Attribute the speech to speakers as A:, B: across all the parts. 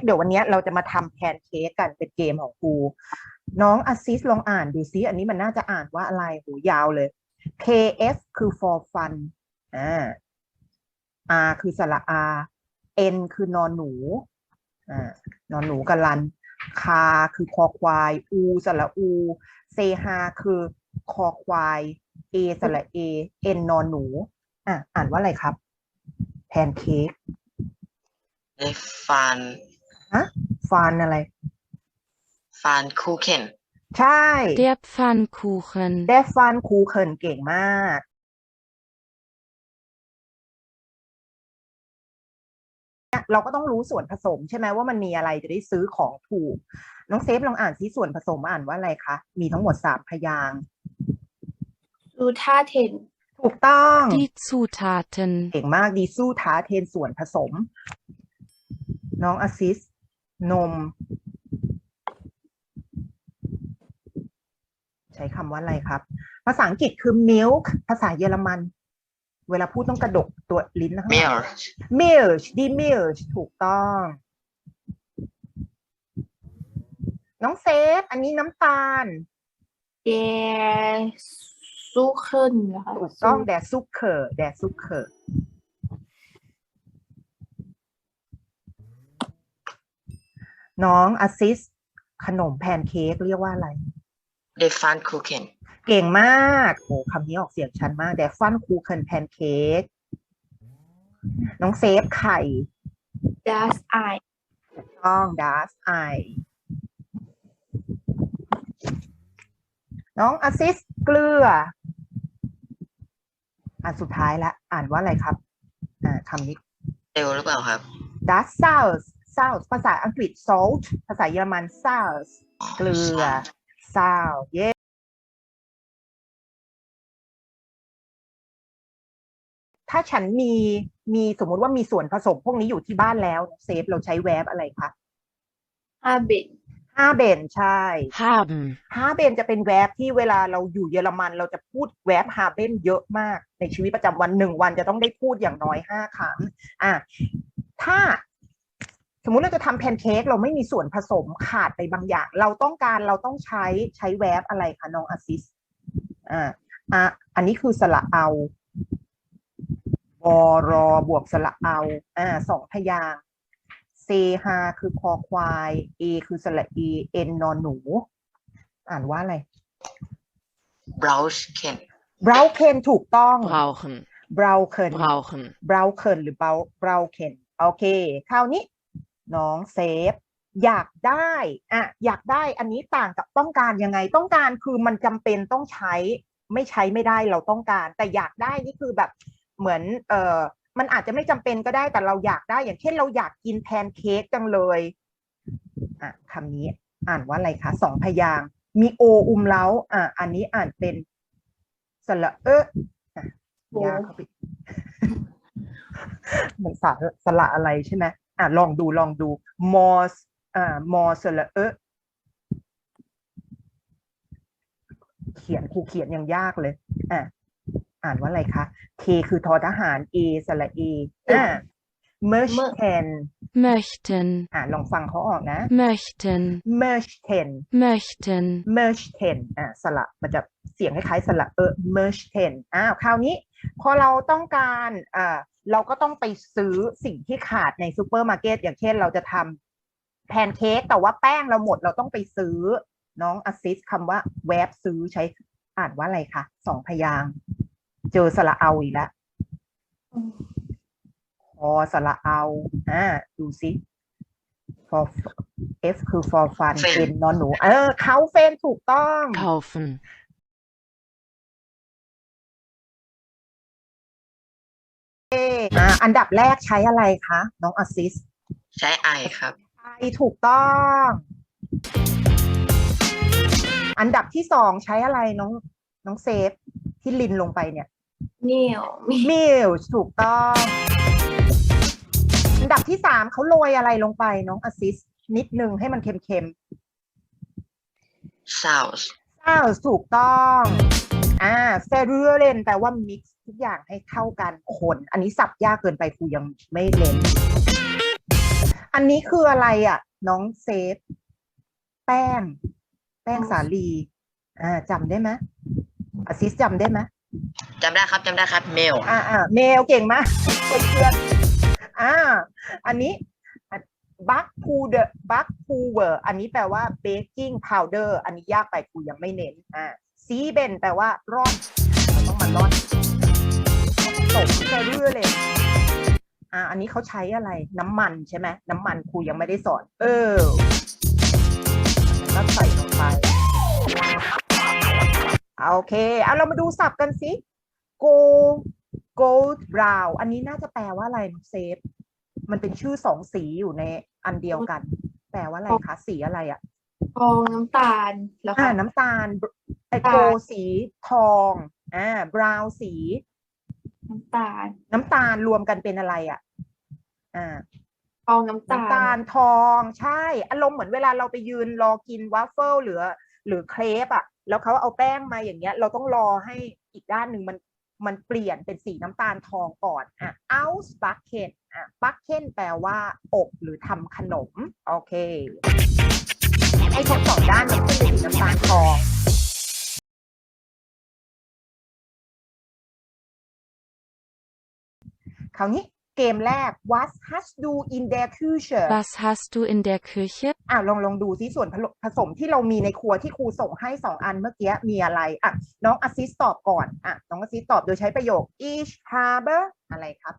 A: เดี๋ยววันนี้เราจะมาทำแพนเค้กกันเป็นเกมของครูน้องอาซิสลองอ่านดูซิอันนี้มันน่าจะอ่านว่าอะไรโหยาวเลย KF คือ for fun R คือสระอา N คือนอนหนูนอนหนูกับลันคาคือคอควายอูสระอูเซฮาคือคอควายเอสระเอเอ็นนอนหนูอ่านว่าอะไรครับแพนเค้ก
B: ฟัน
A: ฟานอะไร
B: ฟันคูเคน
A: ใช่
C: Der Pfannkuchen
A: Der Pfannkuchen เก่งมากเราก็ต้องรู้ส่วนผสมใช่ไหมว่ามันมีอะไรจะได้ซื้อของถูกน้องเซฟลองอ่านซิส่วนผสมอ่านว่าอะไรคะมีทั้งหมด3พยางค์
D: Zutaten
A: ถูกต้อง
C: Die Zutaten
A: เก่งมากดีสู้ท้าเทนส่วนผสมน้องอาซิสนมใช้คำว่าอะไรครับภาษาอังกฤษคือ milk ภาษาเยอรมันเวลาพูดต้องกระดกตัวลิ้นนะคะ milk ดี milk ถูกต้องน้องเซฟอันนี้น้ำตาล
D: Der Suchen นะคะ
A: ถูกต้อง der Zucker น้องอาซิสขนมแพนเค้กเรียกว่าอะไร
B: เดฟันคูเคน
A: เก่งมากโอ้คำนี้ออกเสียงชัดมาก der Pfannkuchen แพนเค้กน้องเซฟไข่
D: Das Ei
A: ถูกต้อง das Ei น้องอาซิสเกลืออันสุดท้ายละอ่านว่าอะไรครับคำนี้
B: เร็วหรือเปล่าครับ
A: das Salz ภาษาอังกฤษ salt ภาษาเยอรมัน Salz เกลือ Salz เย้ถ้าฉันมีสมมุติว่ามีส่วนผสมพวกนี้อยู่ที่บ้านแล้วเซฟเราใช้แวบอะไรคะ
D: Haben
A: haben ใช่
C: haben
A: haben จะเป็นแวบที่เวลาเราอยู่เยอรมันเราจะพูดแวบ haben เยอะมากในชีวิตประจำวัน1 วันจะต้องได้พูดอย่างน้อย5 ครั้งถ้าสมมุติเราจะทำแพนเค้กเราไม่มีส่วนผสมขาดไปบางอย่างเราต้องใช้แวบอะไรคะน้องอาซิสอันนี้คือสระเอารอบวกสระเอา2 พยางค์เซฮาคือคอควายเอคือสระเอเอ็นนอนหนูอ่านว่าอะไร
B: บราวชเคน
A: Brauchen ถูกต้อง
C: brauchen
A: Brauchen หรือ Brauchen โอเคคราวนี้น้องเซฟอยากได้อันนี้ต่างกับต้องการยังไงต้องการคือมันจำเป็นต้องใช้ไม่ใช้ไม่ได้เราต้องการแต่อยากได้นี่คือแบบเหมือนมันอาจจะไม่จำเป็นก็ได้แต่เราอยากได้อย่างเช่นเราอยากกินแพนเค้กจังเลยคำนี้อ่านว่าอะไรคะ2 พยางค์มีโอเล้าอันนี้อ่านเป็นสระยากเข้าไปเหมือนสระอะไรใช่ไหมลองดูมอสระครูเขียนยังยากเลยอ่านว่าอะไรคะ K คือทอทหาร A สระ A möchten ลองฟังเขาออกนะ
C: möchten
A: สระมันจะเสียงคล้ายๆสระmöchten คราวนี้พอเราต้องการเราก็ต้องไปซื้อสิ่งที่ขาดในซูเปอร์มาร์เก็ตอย่างเช่นเราจะทำแพนเค้กแต่ว่าแป้งเราหมดเราต้องไปซื้อน้องอาซิสคำว่าแวบซื้อใช้อ่านว่าอะไรคะ2 พยางค์เจอสระเอาอีกแล้วพอสระเอาดูซิ for F คือ for fun เป็นนอนหนูเขาเฟนถูกต้อง
C: kaufen
A: อันดับแรกใช้อะไรคะน้องอาซิส
B: ใช้ไอครับ
A: ไอถูกต้องอันดับที่2ใช้อะไรน้องเซฟที่ลินลงไปเนี่ยมิลถูกต้องอันดับที่3เขาโรยอะไรลงไปน้องอาซิสนิดนึงให้มันเค็ม
B: ซาวส์
A: ถูกต้องเฟรเรนแปลว่า mix ทุกอย่างให้เข้ากันคนอันนี้สับยากเกินไปครูยังไม่เล่นอันนี้คืออะไรอ่ะ น้องเซฟ แป้งสาลีจำได้ไหมอาซิสจำได้ไหม
B: จำได้ครับเมล
A: เมลเก่งมากเพื่อนอันนี้บัคพูเวอร์อันนี้แปลว่าเบกกิ้งพาวเดอร์อันนี้ยากไปครูยังไม่เน้นซีเบนแปลว่าร่อนเราต้องมาร่อนตกเรื่อยเลยอันนี้เขาใช้อะไรน้ำมันใช่ไหมน้ำมันครูยังไม่ได้สอนแล้วใส่ลงไปโอเคเอาเรามาดูศัพท์กันสิ gold brown อันนี้น่าจะแปลว่าอะไรเซฟมันเป็นชื่อสองสีอยู่ในอันเดียวกันแปลว่าอะไรคะสีอะไรอ่ะ
D: ทองน้ำตาลแล้วค่ะ
A: น้ำตาลโกสีทองbrown สี
D: น้ำตาล
A: รวมกันเป็นอะไรอ่ะ
D: ทองน้ำตา
A: น้ำตา
D: ล
A: ลทองใช่อารมณ์เหมือนเวลาเราไปยืนรอกินวาฟเฟิลหรือเครปอ่ะแล้วเขาเอาแป้งมาอย่างเงี้ยเราต้องรอให้อีกด้านหนึ่งมันเปลี่ยนเป็นสีน้ำตาลทองก่อนausbacken backen แปลว่าอบหรือทำขนมโอเคให้ทั้งสองด้านมันขึ้นเป็นสีน้ำตาลทองคราวนี้เกมแรก What hast du in der Küche
C: Was hast du in der Küche?
A: ลองดูซิส่วนผสมที่เรามีในครัวที่ครูส่งให้2 อันเมื่อกี้มีอะไรน้องอาซิสตอบก่อนน้องอาซิสตอบโดยใช้ประโยค Ich habe อะไรครับ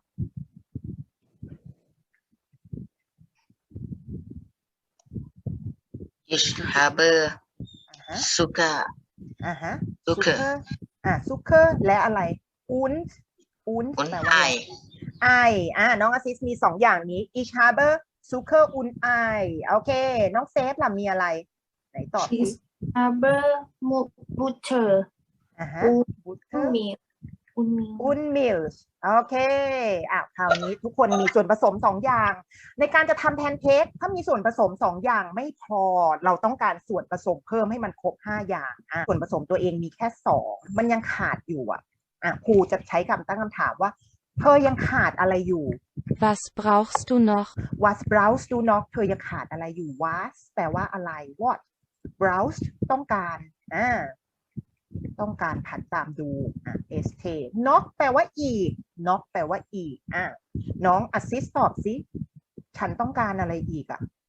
B: Ich habe Zucker Zucker
A: Zucker และอะไร und แปลว่าไอน้องอาซิสมี2 อย่างนี้ Ich habe Zucker und Ei โอเคน้องเซฟล่ะมีอะไรไหนตอบสิ
D: Haber Butter
A: Butter
D: und
A: Milch โอเคคราวนี้ทุกคนมีส่วนผสม2 อย่าง ในการจะทำแพนเค้กถ้ามีส่วนผสม2 อย่างไม่พอเราต้องการส่วนผสมเพิ่มให้มันครบ5 อย่างส่วนผสมตัวเองมีแค่2มันยังขาดอยู่ครูจะใช้คำตั้งคำถามว่าเธอยังขาดอะไรอยู่
C: Was brauchst du noch?
A: Was brauchst du noch เธอยังขาดอะไรอยู่ Was แปลว่าอะไร What browse ต้องการต้องการผันตามดูst knock แปลว่าอีก knock แปลว่าอีกน้อง assist ตอบสิฉันต้องการอะไรอีก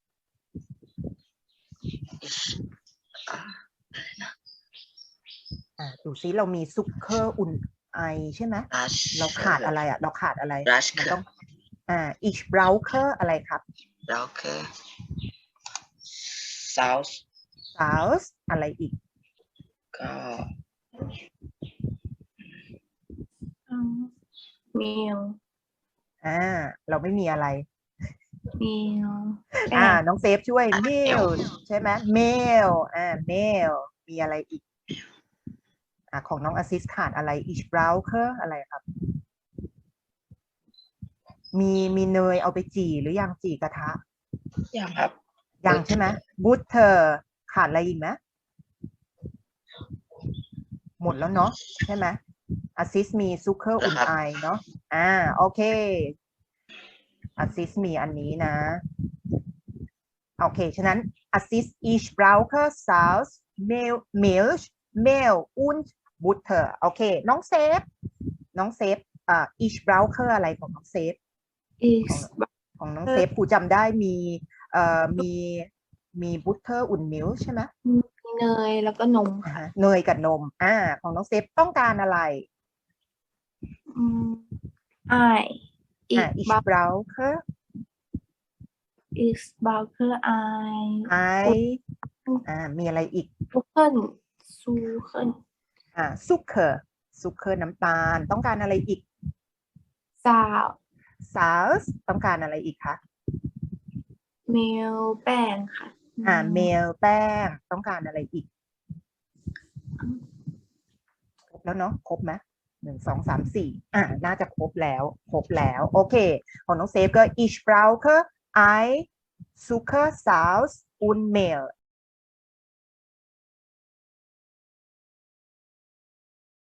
A: ดูซิเรามีซุกเคอร์อุ่นไอใช่ไหมเราขาดอะไรเราขาดอะไรมันต้องich brauche อะไรครับ
B: brauche Sauce
A: อะไรอีก
B: ก็
D: Meal
A: เราไม่มีอะไร
D: Meal
A: น้องเซฟช่วย meal ใช่ไหม meal meal มีอะไรอีกของน้องอาซิสขาดอะไร ich brauche อะไรครับมีเนยเอาไปจี่หรือยังจี่กระทะ
B: ยังครับ
A: ยังใช่ไหม butter ขาดอะไรอีกไหมหมดแล้วเนาะใช่ไหมอาซิสมีซุกเคอร์อุ่นไอเนาะโอเคอาซิสมีอันนี้นะโอเคฉะนั้นอาซิส ich brauche Salz Milch Mehl und Butter โอเคน้องเซฟich brauche อะไรของน้องเซฟ ของน้องเซฟครูจำได้มีบุตเตอร์อุ่นมิลใช่ไหม
D: มีเนยแล้วก็นมค่ะ
A: เนยกับนมของน้องเซฟต้องการอะไรich brauche Ei มีอะไรอีกZucker น้ำตาลต้องการอะไรอีกSalz ต้องการอะไรอีกคะ
D: เมลแป้งค่ะ
A: เมลแป้งต้องการอะไรอีกครบแล้วเนาะครบไหม1 2 3 4น่าจะครบแล้วโอเคของน้องเซฟก็ ich brauche Ei Zucker Salz und Mehl